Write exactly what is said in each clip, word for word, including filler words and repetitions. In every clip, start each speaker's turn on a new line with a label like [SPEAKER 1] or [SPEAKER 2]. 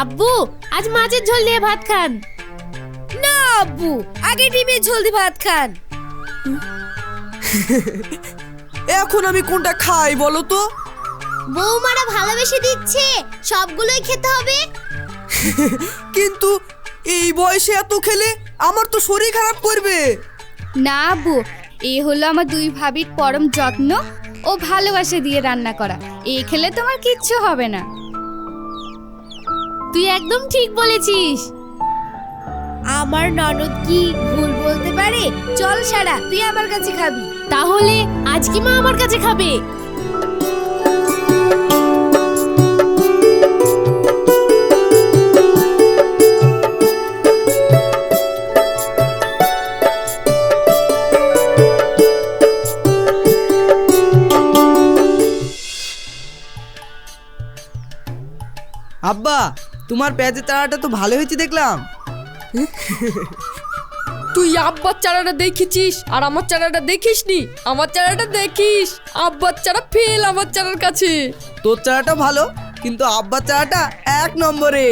[SPEAKER 1] আব্বু আজ মাছের ঝোল দিয়ে ভাত খান।
[SPEAKER 2] না আব্বু, আগে ডিমের ঝোল দিয়ে ভাত খান।
[SPEAKER 3] এখন আমি কোনটা খাই বলো তো?
[SPEAKER 1] বৌমারা ভালোবেসে দিচ্ছে, সবগুলোই খেতে হবে।
[SPEAKER 3] কিন্তু এই বয়সে এত খেলে আমার তো শরীর খারাপ করবে।
[SPEAKER 4] না আব্বু, এ হলো আমার দুই ভাবির পরম যত্ন ও ভালোবাসা দিয়ে রান্না করা। এ খেলে তোমার কিচ্ছু হবে না।
[SPEAKER 1] তুই একদম ঠিক বলেছিস।
[SPEAKER 2] আমার ননদ কি ভুল বলতে পারে? চল সারা, তুই আমার কাছে খাবি।
[SPEAKER 1] তাহলে আজ কি মা আমার কাছে খাবে?
[SPEAKER 3] আব্বা, তোমার পেঁয়াজের চারাটা তো ভালো হয়েছে দেখলাম।
[SPEAKER 5] তুই আব্বার চারাটা দেখেছিস আর আমার চারাটা দেখিসনি? আমার চারাটা দেখিস, আব্বার চারা ফেল আমার চারার কাছে।
[SPEAKER 3] তোর চারাটা ভালো, কিন্তু আব্বার চারাটা এক নম্বরে।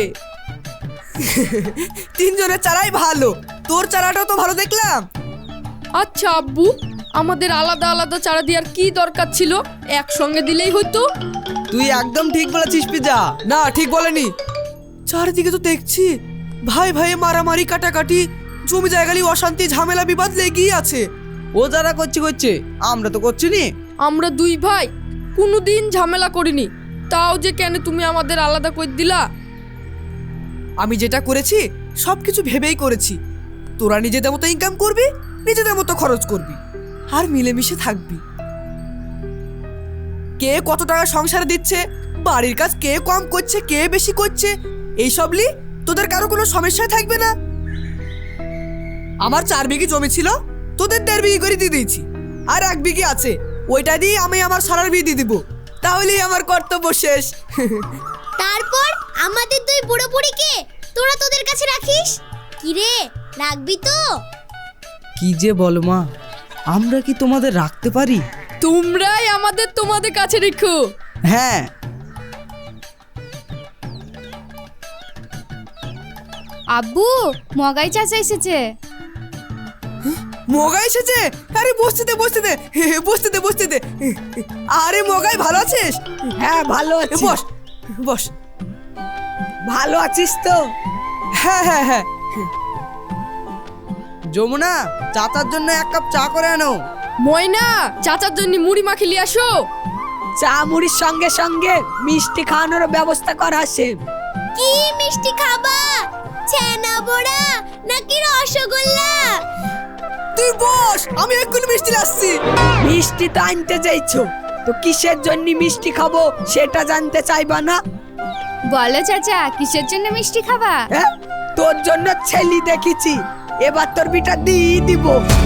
[SPEAKER 3] তিনজনের চারাই ভালো, তোর চারাটাও তো ভালো দেখলাম।
[SPEAKER 5] আচ্ছা আব্বু, আমাদের আলাদা আলাদা চারা দেওয়ার কি দরকার ছিল? একসঙ্গে দিলেই হতো।
[SPEAKER 3] তুই একদম ঠিক বলেছিস পিজা। না, ঠিক বলেনি। চারিদিকে তো দেখছি ভাই ভাই মারামারি, কাটাকাটি, জমি জায়গা নিয়ে অশান্তি, ঝামেলা, বিবাদ লেগেই আছে। ও যারা করছে করছে, আমরা তো করছি নি।
[SPEAKER 5] আমরা দুই ভাই কোনোদিন ঝামেলা করিনি, তাও যে কেন তুমি আমাদের আলাদা করে দিলা?
[SPEAKER 3] আমি যেটা করেছি সব কিছু ভেবেই করেছি। তোরা নিজেদের মতো ইনকাম করবি, নিজেদের মতো খরচ করবি, আর মিলেমিশে থাকবি। কে কত টাকা সংসারে দিচ্ছে, বাড়ির কাজ কে কম করছে, কে বেশি করছে, এইসব লি তোদের কারো কোনো সমস্যায় থাকবে না। আমার চার বিঘি জমি ছিল, তোদের দেড় বিঘি করে দিয়ে দিয়েছি, আর এক বিঘি আছে, ওইটা দিয়ে আমি আমার সারার বিয়ে দিয়ে দিব। তাহলেই আমার কর্তব্য শেষ।
[SPEAKER 1] তারপর আমাদের দুই বুড়ো বুড়িকে তোরা তোদের কাছে রাখিস? কি রে, রাখবি তো?
[SPEAKER 3] কি যে বলো মা, আমরা কি তোমাদের রাখতে পারি?
[SPEAKER 5] তোমরাই আমাদের তোমাদের কাছে রেখো।
[SPEAKER 3] হ্যাঁ।
[SPEAKER 4] আব্বু, মগাই চাচা এসেছে।
[SPEAKER 3] মগাই এসেছে? আরে বসতে দে বসতে দে বসতে দে বসতে দে। আরে মগাই, ভালো আছিস?
[SPEAKER 6] হ্যাঁ ভালো আছি।
[SPEAKER 3] বস বস।
[SPEAKER 6] ভালো আছিস তো?
[SPEAKER 3] হ্যাঁ হ্যাঁ হ্যাঁ। যমুনা, চাচার জন্য এক কাপ চা করে আনো।
[SPEAKER 5] ময়না, চাচার জন্য মুড়ি মাখি নিয়ে আসো।
[SPEAKER 6] চা মুড়ির সঙ্গে সঙ্গে মিষ্টি খাওয়ানোর ব্যবস্থা করা আছে।
[SPEAKER 1] কি মিষ্টি খাবা? ছানা বড়া নাকি রসগোল্লা?
[SPEAKER 3] তুই বস, আমি এক্ষুনি মিষ্টি আসছি।
[SPEAKER 6] মিষ্টি তো আনতে চাইছো, তো কিসের জন্য মিষ্টি খাবো সেটা জানতে চাইবা না?
[SPEAKER 4] বলো চাচা, কিসের জন্য মিষ্টি খাবা?
[SPEAKER 6] হ্যাঁ, তোর জন্য ছেলি দেখেছি, এবার তোর বিটা দিয়ে দিব।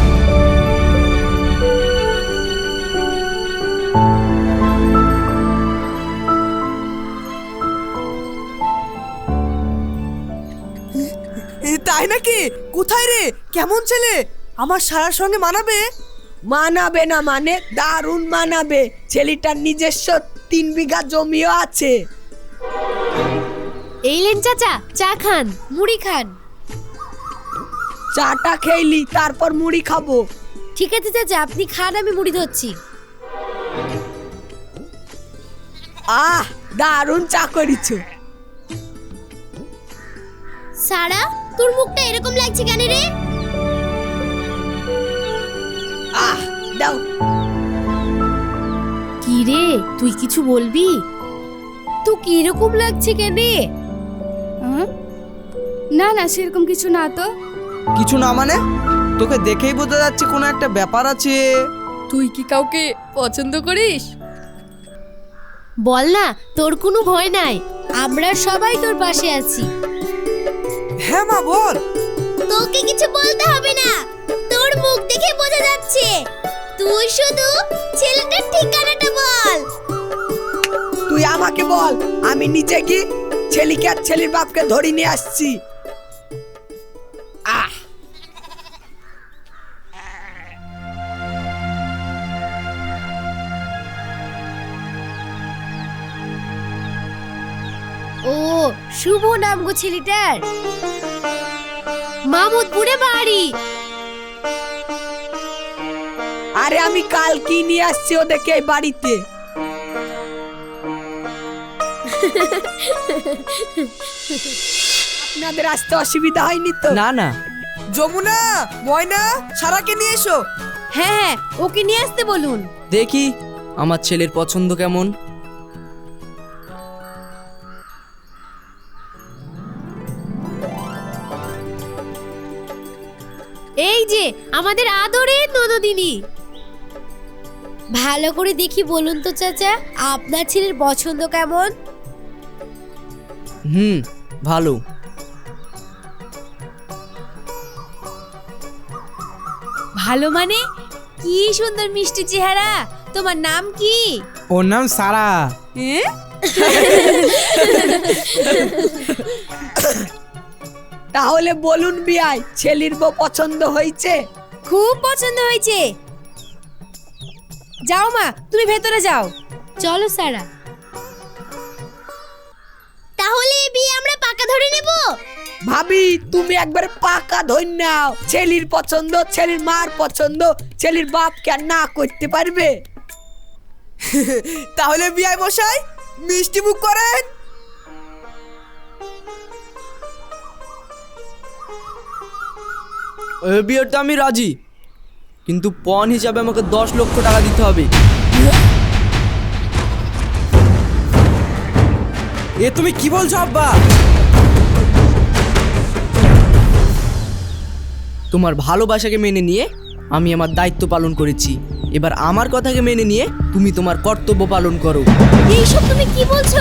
[SPEAKER 3] তাই নাকি? কোথায় রে? কেমন ছেলে? আমার সারার সঙ্গে মানাবে?
[SPEAKER 6] মানাবে না মানে দারুণ মানাবে। ছেলেটার নিজস্ব তিন বিঘা জমিও আছে।
[SPEAKER 1] এই লেন চাচা, চা খান, মুড়ি খান।
[SPEAKER 6] চাটা খেলি, তারপর মুড়ি খাবো।
[SPEAKER 1] ঠিক আছে চাচা, আপনি খান, আমি মুড়ি ধরছি।
[SPEAKER 6] আহ, দারুণ চা করিছো।
[SPEAKER 1] সারা, তোর মুখটা এরকম লাগছে কেন রে?
[SPEAKER 6] আহ, দাও।
[SPEAKER 1] কি রে, তুই কিছু বলবি? তো কি এরকম লাগছে কেন?
[SPEAKER 4] হুম? না না, সেরকম কিছু না তো।
[SPEAKER 3] কিছু না মানে? তোকে দেখেই বোঝা যাচ্ছে কোনো একটা ব্যাপার আছে।
[SPEAKER 5] তুই কি কাউকে পছন্দ করিস?
[SPEAKER 1] বল না, তোর কোনো ভয় নাই, আমরা সবাই তোর পাশে আছি।
[SPEAKER 3] হ্যাঁ মা, বল।
[SPEAKER 1] তোকে কিছু বলতে হবে না, তোর মুখ দেখে বোঝা যাচ্ছে। তুই শুধু ছেলেটার ঠিকানাটা বল।
[SPEAKER 6] তুই আমাকে বল, আমি নিচে কি ছেলেকে আর ছেলের বাপকে ধরে নিয়ে আসছি। আহ,
[SPEAKER 2] ও শুভ নাম গো ছেলেটার, মামুদপুরে বাড়ি।
[SPEAKER 6] আরে আমি কালকে নিয়ে আসছি ওদেরকে এই বাড়িতে। আপনাদের আসতে অসুবিধা হয়নি তো?
[SPEAKER 3] না না। যমুনা, ময়না, সারাকে নিয়ে এসো।
[SPEAKER 2] হ্যাঁ হ্যাঁ, ওকে নিয়ে আসতে বলুন।
[SPEAKER 3] দেখি আমার ছেলের পছন্দ কেমন।
[SPEAKER 2] এই যে আমাদের আদরের ননদিনী। ভালো করে দেখি বলুন তো চাচা, আপনার ছেলের পছন্দ কেমন?
[SPEAKER 3] হুম, ভালো।
[SPEAKER 2] ভালো মানে? কি সুন্দর মিষ্টি চেহারা। তোমার নাম কি?
[SPEAKER 3] ওর নাম সারা।
[SPEAKER 6] তাহলে বলুন বিয়াই, ছেলের বউ পছন্দ হয়েছে?
[SPEAKER 2] খুব পছন্দ হয়েছে। যাও মা, তুমি ভেতরে যাও। চলো সারা।
[SPEAKER 1] তাহলে এই বিয়ে আমরা পাকা ধরে নেব।
[SPEAKER 6] ভাবি তুমি একবার পাকা ধরে নাও। ছেলের পছন্দ, ছেলের মার পছন্দ, ছেলের বাপ কেন না করতে পারবে?
[SPEAKER 3] তাহলে বিয়াই মশাই মিষ্টি মুখ করেন। এই বিয়েতে আমি রাজি, কিন্তু পণ হিসাবে আমাকে দশ লক্ষ টাকা দিতে হবে। এ তুমি কি বলছো আব্বা? তোমার ভালোবাসাকে মেনে নিয়ে আমি আমার দায়িত্ব পালন করেছি, এবার আমার কথাকে মেনে নিয়ে তুমি তোমার কর্তব্য পালন করো।
[SPEAKER 2] এইসব তুমি কি বলছো?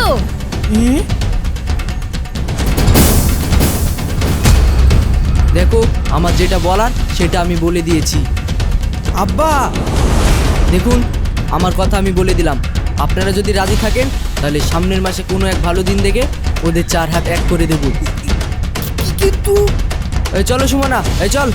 [SPEAKER 3] দেখো, আমার যেটা বলার সেটা আমি বলে দিয়েছি। আব্বা দেখুন, আমার কথা আমি বলে দিলাম। আপনারা যদি রাজি থাকেন তাহলে সামনের মাসে কোনো এক ভালো দিন দেখে ওদের চার হাত এক করে দেব। কিন্তু এই চলো সুমনা, এই চল।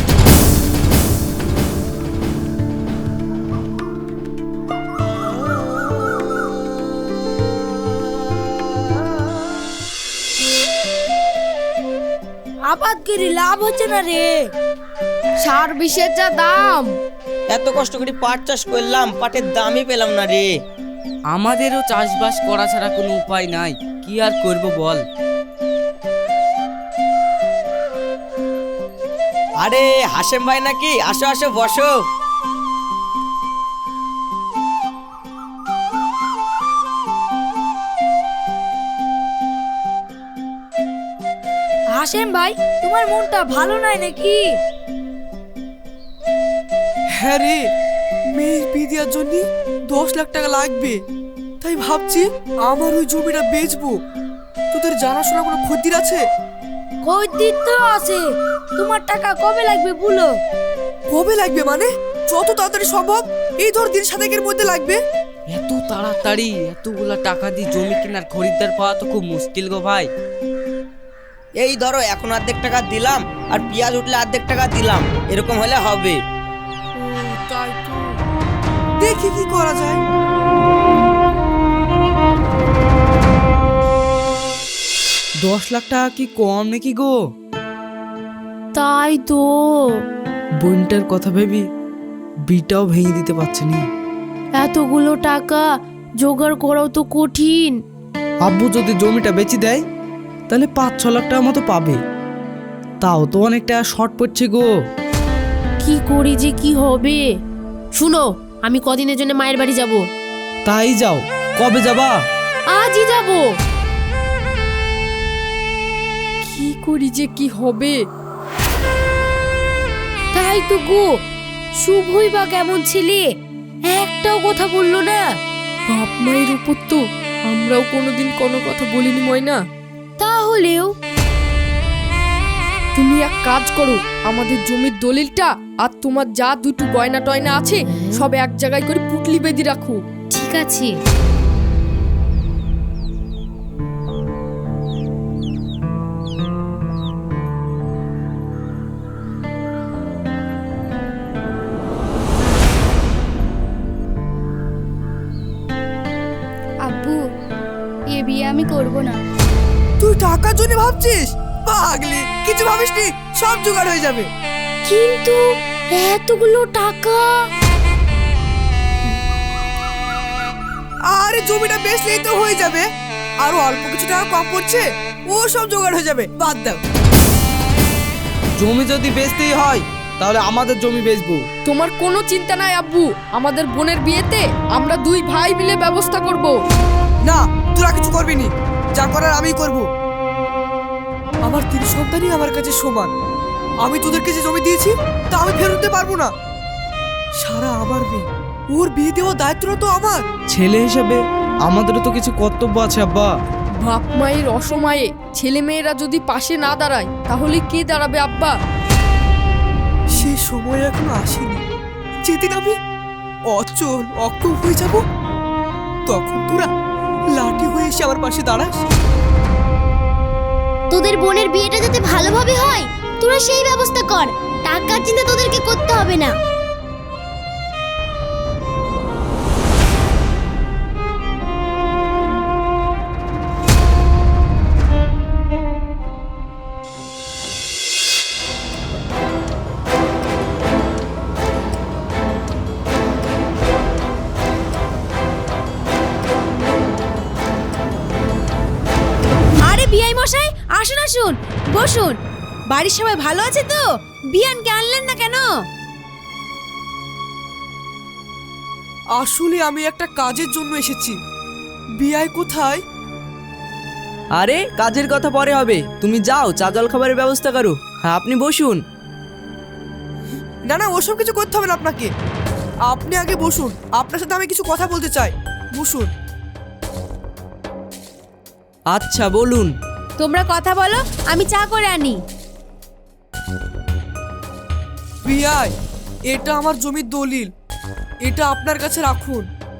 [SPEAKER 2] আপাত করে লাভ হচ্ছে না রে।
[SPEAKER 5] সার বিষের যা দাম।
[SPEAKER 7] এত কষ্ট করে পাট চাষ করলাম, পাটের দামই পেলাম না রে।
[SPEAKER 8] আমাদেরও চাষবাস করা ছাড়া কোনো উপায় নাই, কি আর করব বল।
[SPEAKER 7] আরে হাসেম ভাই নাকি? আসো আসো বসো।
[SPEAKER 2] হাসেম ভাই, তোমার মনটা ভালো নাই নাকি?
[SPEAKER 3] হ্যাঁ রে, মেয়ের বিয়ে দেওয়ার জন্য দশ লাখ টাকা লাগবে, তাই ভাবছি আমার ওই জমিটা বেচবো। তোদের জানাশোনা কোনো খদ্দের আছে?
[SPEAKER 2] খদ্দের তো আছে, তোমার টাকা কবে লাগবে বলো?
[SPEAKER 3] কবে লাগবে মানে? যত তাড়াতাড়ি সম্ভব। এই ধর দিন সাতেকের মধ্যে লাগবে।
[SPEAKER 8] এত তাড়াতাড়ি এতগুলা টাকা দিয়ে জমি কেনার খরিদ্দার পাওয়া তো খুব মুশকিল গো ভাই।
[SPEAKER 7] এই ধরো এখন অর্ধেক টাকা দিলাম, আর পেঁয়াজ উঠলে অর্ধেক টাকা দিলাম, এরকম হলে হবে।
[SPEAKER 3] তাই তো, দেখি কি করা যায়। দশ লাখ টাকা কি কম নাকি গো?
[SPEAKER 2] তাই তো।
[SPEAKER 3] বোনটার কথা ভেবি বিটাও ভেঙে দিতে পারছে না।
[SPEAKER 2] এতগুলো টাকা জোগাড় করাও তো কঠিন।
[SPEAKER 3] আব্বু যদি জমিটা বেচে দেয় তাহলে পাঁচ ছ লাখ টাকা মতো পাবে, তাও তো অনেক টাকা শর্ট পড়ছে গো।
[SPEAKER 2] কি করি যে কি হবে? শুনো, আমি কদিনের জন্য মায়ের বাড়ি যাব।
[SPEAKER 3] তাই যাও, কবে যাবা?
[SPEAKER 2] আজই যাব।
[SPEAKER 5] কি করি যে কি হবে?
[SPEAKER 2] তাই তো গো, শুভই বা কেমন ছেলে, একটাও কথা বললো না।
[SPEAKER 5] বাপ মায়ের উপর তো আমরাও কোনোদিন কোনো কথা বলিনি ময়না।
[SPEAKER 2] তাহলেও
[SPEAKER 5] তুমি এক কাজ করো, আমাদের জমির দলিলটা আর তোমার যা দুটো গয়না টয়না আছে সব এক জায়গায় করে পুটলি বেঁধে রাখো।
[SPEAKER 2] ঠিক আছে।
[SPEAKER 4] আব্বু, এ বিয়ে আমি করব না।
[SPEAKER 3] তুই টাকার জন্য ভাবছিস? পাগলি, কিছু ভাবিসনি, সব জোগাড় হয়ে যাবে।
[SPEAKER 2] কিন্তু এতগুলো টাকা।
[SPEAKER 3] আরে জমিটা বেচলেই তো হয়ে যাবে, আরো অল্প কিছু টাকা কম পড়ছে, ও সব জোগাড় হয়ে যাবে, বাদ দাও।
[SPEAKER 8] জমি যদি বেচতেই হয় তাহলে আমাদের জমি বেচবো।
[SPEAKER 5] তোমার কোনো চিন্তা নাই আব্বু, আমাদের বোনের বিয়েতে আমরা দুই ভাই মিলে ব্যবস্থা করব।
[SPEAKER 3] না, তোরা কিছু করবি নি, যা করার আমি করব। আমার তিন সন্তানই আমার কাছে সমান, আমি তোদেরকে যে জমি দিয়েছি তা আমি ফেরত দিতে পারবো না। সারা আমার মেয়ে, ওর বিয়ে দেওয়ার দায়িত্বটা তো আমার।
[SPEAKER 8] ছেলে হিসেবে আমাদেরও তো কিছু কর্তব্য আছে আব্বা।
[SPEAKER 5] বাপ মায়ের অসময়ে ছেলে মেয়েরা যদি পাশে না দাঁড়ায় তাহলে কে দাঁড়াবে আব্বা?
[SPEAKER 3] সে সময় এখনো আসেনি, যেদিন আমি অচল অক্ষম হয়ে যাব তখন তোরা লাঠি হয়ে এসে আমার পাশে দাঁড়াস।
[SPEAKER 1] তোদের বোনের বিয়েটা যাতে ভালোভাবে হয় তোরা সেই ব্যবস্থা কর, টাকার চিন্তা তোদেরকে করতে হবে না।
[SPEAKER 2] আরে বিআই মশাই, আসুন আসুন, বসুন। বাড়ির সবাই ভালো আছে তো? বিয়ানকে আনলেন না কেন?
[SPEAKER 3] আসলে আমি একটা কাজের জন্য এসেছি। বিয়াই কোথায়?
[SPEAKER 8] আরে কাজের কথা পরে হবে, তুমি যাও চা জল খাবারের ব্যবস্থা করো। হ্যাঁ আপনি বসুন।
[SPEAKER 3] না না, ওসব কিছু করতে হবে না আপনাকে, আপনি আগে বসুন, আপনার সাথে আমি কিছু কথা বলতে চাই, বসুন।
[SPEAKER 8] আচ্ছা বলুন।
[SPEAKER 2] তোমরা কথা বলো, আমি চা করে আনি।
[SPEAKER 3] বিয়াই, এটা আমার জমির দলিল, এটা আপনার কাছে রাখুন।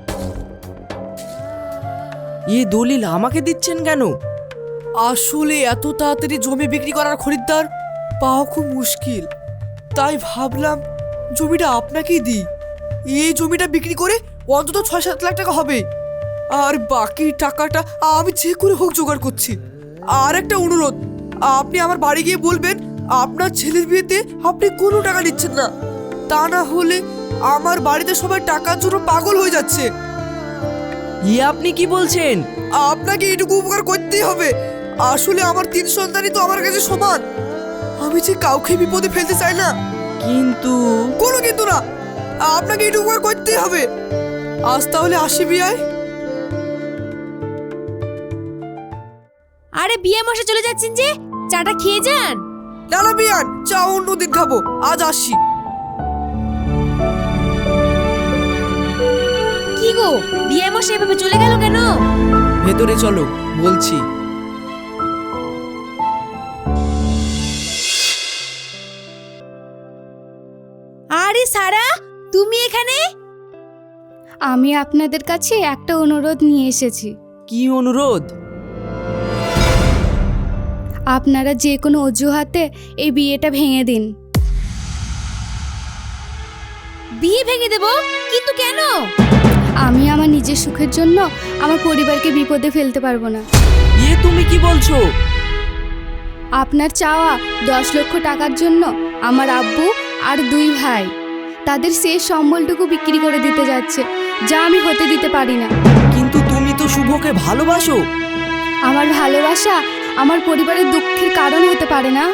[SPEAKER 8] এই দলিল আমাকে দিচ্ছেন কেন?
[SPEAKER 3] আসলে এত তাড়াতাড়ি জমি বিক্রি করার খরিদ্দার পাওয়া খুব মুশকিল, তাই ভাবলাম জমিটা আপনাকেই দিই। এই জমিটা বিক্রি করে অন্তত ছয় সাত লাখ টাকা হবে, আর বাকি টাকাটা আমি যে করে হোক জোগাড় করছি। আর একটা অনুরোধ, আপনি আমার বাড়ি গিয়ে বলবেন আপনার ছেলের বিয়েতে আপনি কোনো টাকা নিচ্ছেন না, তা না হলে আমার বাড়িতে সবাই টাকার জন্য পাগল হয়ে যাচ্ছে।
[SPEAKER 8] ইয়ে আপনি কি বলছেন?
[SPEAKER 3] আপনাকে এইটুকু উপকার করতেই হবে, আসলে আমার তিন সন্তানই তো আমার কাছে সমান, আমি যে কাউকে বিপদে ফেলতে চাই না।
[SPEAKER 8] কিন্তু
[SPEAKER 3] কোনো কিন্তু না, আপনাকে এইটুকু উপকার করতেই হবে। আজ তাহলে আসি বিয়াই।
[SPEAKER 2] আরে বিয়ে মশাই চলে যাচ্ছেন যে, চাটা খেয়ে যান।
[SPEAKER 3] না না বিয়ান, চা অন্যদিন খাবো, আজ আসি।
[SPEAKER 2] কি গো, বিয়ে মশাই এভাবে চলে গেল কেন?
[SPEAKER 8] ভেতরে চলো বলছি।
[SPEAKER 2] আরে সারা, তুমি এখানে?
[SPEAKER 4] আমি আপনাদের কাছে একটা অনুরোধ নিয়ে এসেছি।
[SPEAKER 8] কি অনুরোধ?
[SPEAKER 4] আপনারা যে কোনো অজুহাতে এই বিয়েটা ভেঙে দিন।
[SPEAKER 2] বিয়ে ভেঙে দেব? কিন্তু কেন?
[SPEAKER 4] আমি আমার নিজের সুখের জন্য আমার পরিবারকে বিপদে ফেলতে পারবো না।
[SPEAKER 8] ইয়ে তুমি কি বলছো?
[SPEAKER 4] আপনার চাওয়া দশ লক্ষ টাকার জন্য আমার আব্বু আর দুই ভাই তাদের শেষ সম্বলটুকু বিক্রি করে দিতে যাচ্ছে, যা আমি হতে দিতে পারি না।
[SPEAKER 8] কিন্তু তুমি তো শুভকে ভালোবাসো।
[SPEAKER 4] আমার ভালোবাসা আমার পরিবারের দুঃখের কারণ হতে পারে না।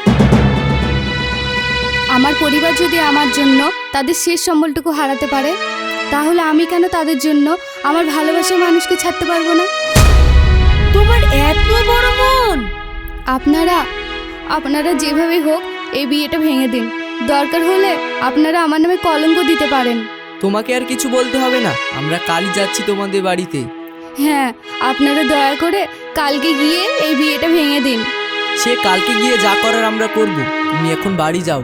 [SPEAKER 4] আমার পরিবার যদি আমার জন্য তাদের শেষ সম্বলটুকু হারাতে পারে, তাহলে আমি কেন তাদের জন্য আমার ভালোবাসার মানুষকে ছাড়তে পারবো না?
[SPEAKER 2] তোমার এত বড় মন!
[SPEAKER 4] আপনারা আপনারা যেভাবে হোক এই বিয়েটা ভেঙে দিন। দরকার হলে আপনারা আমার নামে কলঙ্ক দিতে পারেন।
[SPEAKER 8] তোমাকে আর কিছু বলতে হবে না, আমরা কালই যাচ্ছি তোমাদের বাড়িতে।
[SPEAKER 4] হ্যাঁ, আপনারা দয়া করে কালকে গিয়ে এই বিয়েটা ভেঙে দিন।
[SPEAKER 8] সে কালকে গিয়ে যা করার আমরা করব, তুমি এখন বাড়ি যাও।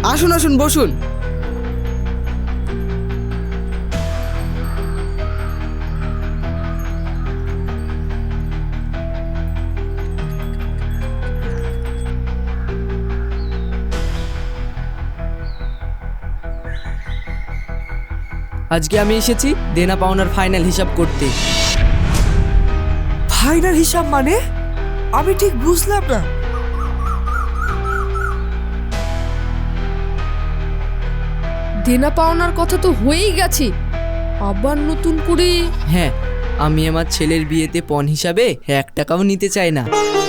[SPEAKER 3] আসুন আসুন বসুন।
[SPEAKER 8] আজকে আমি এসেছি দেনা পাওনার ফাইনাল হিসাব করতে।
[SPEAKER 3] ফাইনাল হিসাব মানে? আমি ঠিক বুঝলাম না।
[SPEAKER 5] দেনা পাওনার কথা তো হয়েই গেছে, আবার নতুন করে?
[SPEAKER 8] হ্যাঁ, আমি আমার ছেলের বিয়েতে পণ হিসাবে এক টাকাও নিতে চাই না।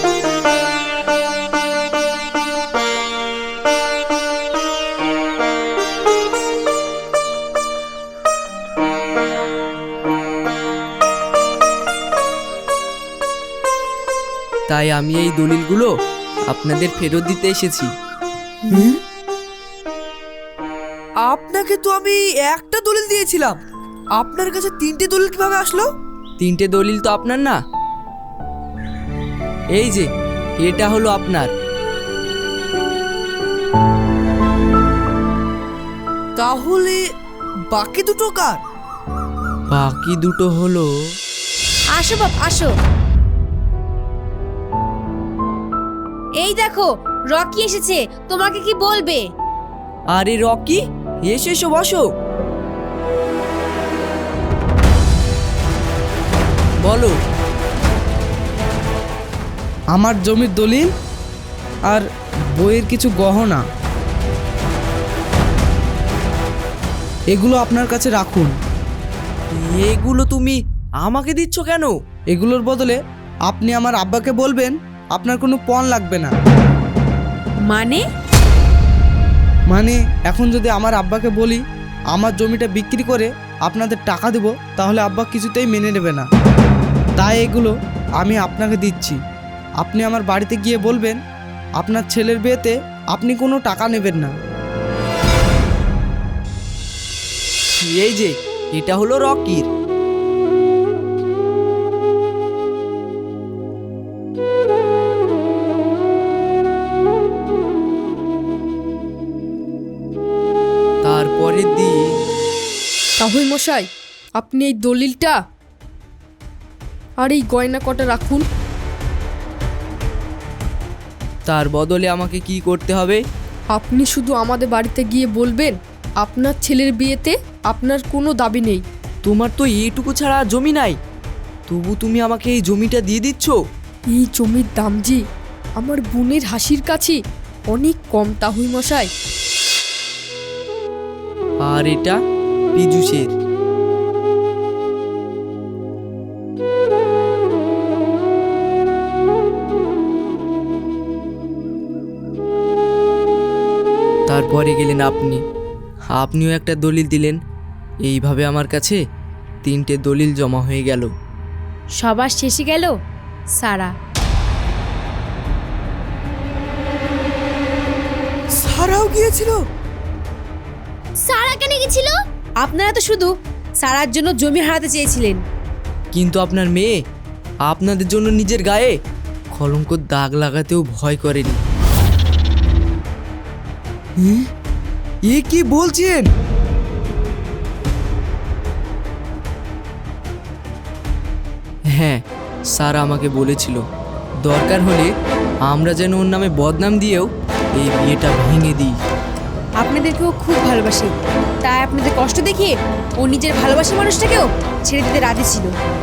[SPEAKER 8] তাই আমি এই দলিলগুলো আপনাদের ফেরত দিতে এসেছি।
[SPEAKER 3] আপনাকে তো আমি একটা দলিল দিয়েছিলাম, আপনার কাছে তিনটে দলিল কিভাবে আসলো?
[SPEAKER 8] তিনটে দলিল তো আপনার না, এই যে এটা হলো আপনার।
[SPEAKER 3] তাহলে বাকি দুটো কার?
[SPEAKER 8] বাকি দুটো হলো,
[SPEAKER 2] আসো বাপ আসো। এই দেখো রকি এসেছে, তোমাকে কি বলবে?
[SPEAKER 8] আরে রকি, এসো এসো বসো। বলো।
[SPEAKER 9] আমার জমির দলিল আর বইয়ের কিছু গহনা, এগুলো আপনার কাছে রাখুন।
[SPEAKER 8] এগুলো তুমি আমাকে দিচ্ছ কেন?
[SPEAKER 9] এগুলোর বদলে আপনি আমার আব্বাকে বলবেন আপনার কোনো পণ লাগবে না।
[SPEAKER 2] মানে?
[SPEAKER 9] মানে এখন যদি আমার আব্বাকে বলি আমার জমিটা বিক্রি করে আপনাদের টাকা দেব, তাহলে আব্বা কিছুতেই মেনে নেবে না। তাই এগুলো আমি আপনাকে দিচ্ছি। আপনি আমার বাড়িতে গিয়ে বলবেন আপনার ছেলের বিয়েতে আপনি কোনো টাকা নেবেন না।
[SPEAKER 8] এই যে এটা হলো রকির। তারপরের দিন,
[SPEAKER 5] তাহলে মশাই আপনি এই দলিলটা আর এই গয়না কটা রাখুন।
[SPEAKER 8] তার বদলে আমাকে কি করতে হবে?
[SPEAKER 5] আপনি শুধু আমাদের বাড়িতে গিয়ে বলবেন আপনার ছেলের বিয়েতে আপনার কোনো দাবি নেই।
[SPEAKER 8] তোমার তো এইটুকু ছাড়া জমি নাই, তবু তুমি আমাকে এই জমিটা দিয়ে দিচ্ছ।
[SPEAKER 5] এই জমির দাম জি আমার বোনের হাসির কাছে অনেক কম তাহুই মশাই।
[SPEAKER 8] আর এটা পীযূষের। তারপরে গেলেন আপনি, আপনিও একটা দলিল দিলেন। এইভাবে আমার কাছে তিনটে দলিল জমা হয়ে গেল।
[SPEAKER 2] সবার শেষে গেল সারা।
[SPEAKER 3] সারাও গিয়েছিল?
[SPEAKER 1] সারা কেন গেছিল?
[SPEAKER 2] আপনারা তো শুধু সারার জন্য জমি হারাতে চেয়েছিলেন।
[SPEAKER 8] কিন্তু আপনার মেয়ে আপনাদের জন্য নিজের গায়ে কলঙ্কর দাগ লাগাতেও ভয় করেনি।
[SPEAKER 3] এ কি বলছেন?
[SPEAKER 8] হ্যাঁ, স্যার আমাকে বলেছিল দরকার হলে আমরা যেন ওর নামে বদনাম দিয়েও এই বিয়েটা ভেঙে দিই।
[SPEAKER 2] আপনাদেরকেও খুব ভালোবাসে, তাই আপনাদের কষ্ট দেখিয়ে ও নিজের ভালোবাসার মানুষটাকেও ছেড়ে দিতে রাজি ছিল।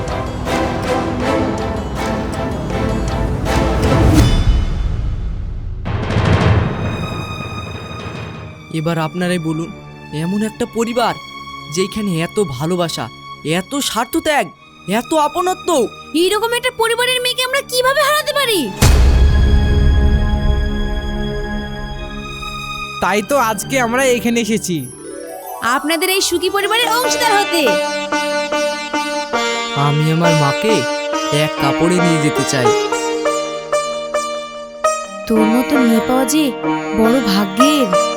[SPEAKER 8] এবার আপনারাই বলুন, এমন একটা পরিবার যেখানে এত ভালোবাসা, এত স্বার্থত্যাগ, এত আপনত্ব,
[SPEAKER 2] এইরকম একটা পরিবারের মেয়েকে আমরা কিভাবে হারাতে পারি?
[SPEAKER 9] তাই তো আজকে আমরা এখানে এসেছি
[SPEAKER 2] আপনাদের এই সুখী পরিবারের অংশীদার হতে।
[SPEAKER 8] আমি আমার মাকে এক কাপড়ে নিয়ে যেতে চাই।
[SPEAKER 2] তোর মতো মেয়ে পাওয়া যে বড় ভাগ্যের।